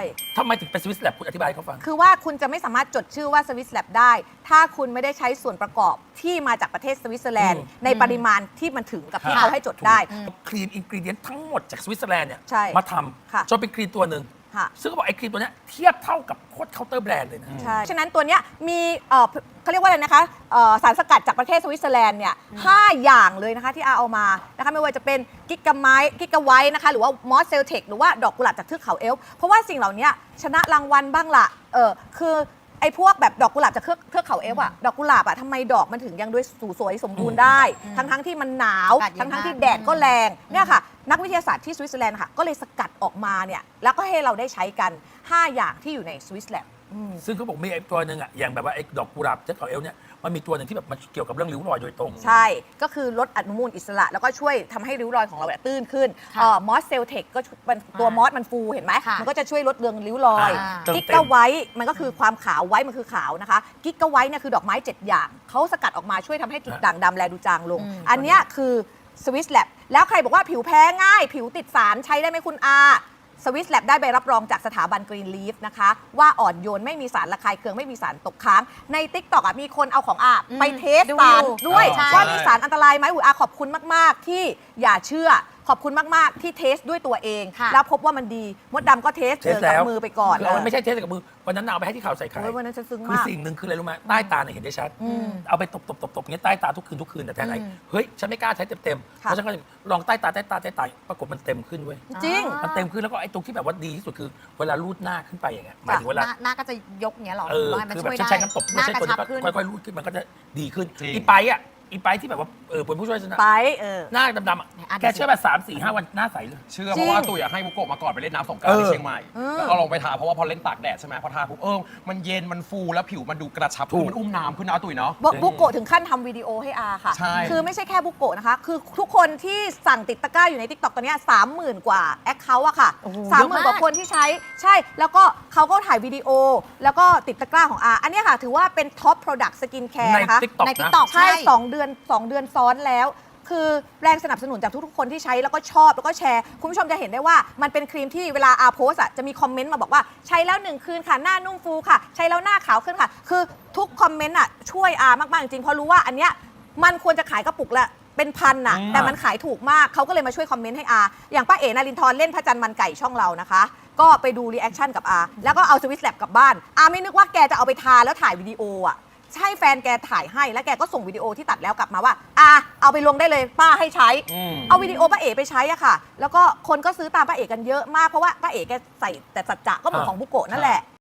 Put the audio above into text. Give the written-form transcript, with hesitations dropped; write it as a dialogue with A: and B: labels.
A: ทำไมถึงเป็นสวิสแลบคุณอธิบายให้เขาฟัง
B: คือว่าคุณจะไม่สามารถจดชื่อว่าสวิสแลบได้ ถ้าคุณไม่ได้ใช้ส่วนประกอบที่มาจากประเทศสวิตเซอร์แลนด์ในปริมาณที่มันถึงกับที่เขาให้จดได้
A: ครีมอินกรีเดียนทั้งหมดจากสวิตเซอร์แลนด์เนี่ย
B: ใช่
A: มาท
B: ค่ะ
A: ำจนเป็นครีมตัวหนึ่ง
B: ค่ะ
A: ซึ่งเขาบอกไอ้ครีมตัวเนี้ยเทียบเท่ากับโคตรเคาน์เตอร์แบรนด์เลยนะ
B: ใช่ฉะนั้นตัวเนี้ยมีเขาเรียกว่าอะไรนะคะสารสกัดจากประเทศสวิตเซอร์แลนด์เนี่ย5อย่างเลยนะคะที่อาเอามานะคะไม่ว่าจะเป็นกิกะไวท์นะคะหรือว่ามอสเซลเทคหรือว่าดอกกุหลาบจากเทือกเขาเอลป์เพราะว่าสิ่งเหล่านี้ชนะรางวัลบ้างละคือไอ้พวกแบบดอกกุหลาบจากเทือกเขาเอลป์อะดอกกุหลาบอะทำไมดอกมันถึงยังด้วยสวยสมบูรณ์ได้ทั้งที่มันหนาวทั้งที่แดดก็แรงเนี่ยค่ะนักวิทยาศาสตร์ที่สวิตเซอร์แลนด์ค่ะก็เลยสกัดออกมาเนี่ยแล้วก็ให้เราได้ใช้กัน5อย่างที่อยู่ในสวิสแลบ
A: ซึ่งเขาบอกมีไอ้ตัวหนึ่งอ่ะอย่างแบบว่าไอ้ดอกกุหลาบเจ้าเขาเอลเนี่ยมันมีตัวหนึ่งที่แบบมันเกี่ยวกับเรื่องริ้วรอยโดยตรง
B: ใช่ก็คือลดอนุมูลอิสระแล้วก็ช่วยทำให้ริ้วรอยของเราเนี่ยตื้นขึ้นมอสเซลเทคก็ตัวมอสมันฟูเห็นไหมมันก็จะช่วยลดเรืองริ้วรอยกิกะไวท์มันก็คือความขาวไว้มันคือขาวนะคะกิกะไวท์เนี่ยคือดอกไม้7อย่างเขาสกัดออกมาช่วยทำให้จุดด่างดำแลดูจางลงอันเนี้ยคือสวิสแลบแล้วใครบอกว่าผิวแพ้ง่ายผิวติดสารใช้ได้ไหมคุณอาสวิสแลบได้ใบรับรองจากสถาบันกรีนลีฟนะคะว่าอ่อนโยนไม่มีสารระคายเคืองไม่มีสารตกค้างใน TikTok มีคนเอาของอาไปเทสสารด้วยว่ามีสารอันตรายไหมอาขอบคุณมากๆที่อย่าเชื่อขอบคุณมากๆที่เทสด้วยตัวเองแล้วพบว่ามันดีมดดำก็เทสกับมือไปก่อน
A: เราไม่ใช่เทสกับมือวันนั้นเอาไปให้ที่ข่าวใส่ไข่
B: วันนั้นฉันซึ้งมาก
A: คือสิ่งหนึ่งคืออะไรรู้ไหมใต้ตาเนี่ยเห็นได้ชัดเอาไปตบอย่างเงี้ยใต้ตาทุกคืนแต่แทนไหนเฮ้ยฉันไม่กล้าใช้เต็มเพราะฉันก็ลองใต้ตาปรากฏมันเต็มขึ้นเว้ย
B: จริง
A: มันเต็มขึ้นแล้วก็ไอ้ตรงที่แบบว่าดีที่สุดคือเวลารูดหน้าขึ้นไปอย่างเงี้ยหมายถึงเวลา
C: หน้าก็จะยกเงี้ยหรอ
A: คือแบบฉันใช้น้ำตบไม่ใช่ตัวนี้ค่อยๆรูดขึ้นมันก็จะดีขึ้นอีไปที่แบบว่าเป็นผู้ช่วยชนะ
B: ไป
A: หน้าดำๆแกเชื่อป่ะ3-4-5 วันหน้าใสเลย
D: เชื่อเพราะว่าตุ๋ยให้บุโกะมาก่อนไปเล่นน้ำสงกรานต์ที่เชียงใหม่แล้วก็ลงไปทาเพราะว่าพอเล่นตากแดดใช่ไหมพอทาปุ๊บมันเย็นมันฟูแล้วผิวมันดูกระชับมันอุ้มน้ำขึ้นนะตุ๋ยเนาะ
B: บุโกะถึงขั้นทำวิดีโอให้อาค่ะ
D: ใช่
B: คือไม่ใช่แค่บุโกะนะคะคือทุกคนที่สั่งติดตะกร้าอยู่ใน TikTok ตอนนี้ 30,000 กว่าแอคเคาท์อะค่ะ 30,000 กว่าคนที่ใช้แล้วก็เขาก็ถ่ายวิดีโอแล้วก็ติดตะกร้าของอาอันนี้ค่ะถือว่าเป็นท็อปโปรดักต์สกินแคร์นะคะ
A: ใน
C: TikTok
B: ใช่2 เดือนซ้อนแล้วคือแรงสนับสนุนจากทุกๆคนที่ใช้แล้วก็ชอบแล้วก็แชร์คุณผู้ชมจะเห็นได้ว่ามันเป็นครีมที่เวลาอาโพสอะจะมีคอมเมนต์มาบอกว่าใช้แล้ว1 คืนค่ะหน้านุ่มฟูค่ะใช้แล้วหน้าขาวขึ้นค่ะคือทุกคอมเมนต์อะช่วยอามากๆจริงเพราะรู้ว่าอันเนี้ยมันควรจะขายกระปุกละเป็นพันน่ะแต่มันขายถูกมากเขาก็เลยมาช่วยคอมเมนต์ให้อาอย่างป้าเอ๋นารินทร์เล่นพระจันทร์มันไก่ช่องเรานะคะก็ไปดูรีแอคชั่นกับอาแล้วก็เอาสวิสแลบกลับบ้านอาไม่นึกว่าแกจะเอาไปทาแล้วถ่ายวิดีโออะใช่แฟนแกถ่ายให้แล้วแกก็ส่งวิดีโอที่ตัดแล้วกลับมาว่าเอาไปลงได้เลยป้าให้ใช้เอาวิดีโอป้าเอ๋ไปใช้อะค่ะแล้วก็คนก็ซื้อตามป้าเอ๋กันเยอะมากเพราะว่าป้าเอ๋แกใส่แต่สัจจะก็เหมือนของบุโกะนั่นแหละ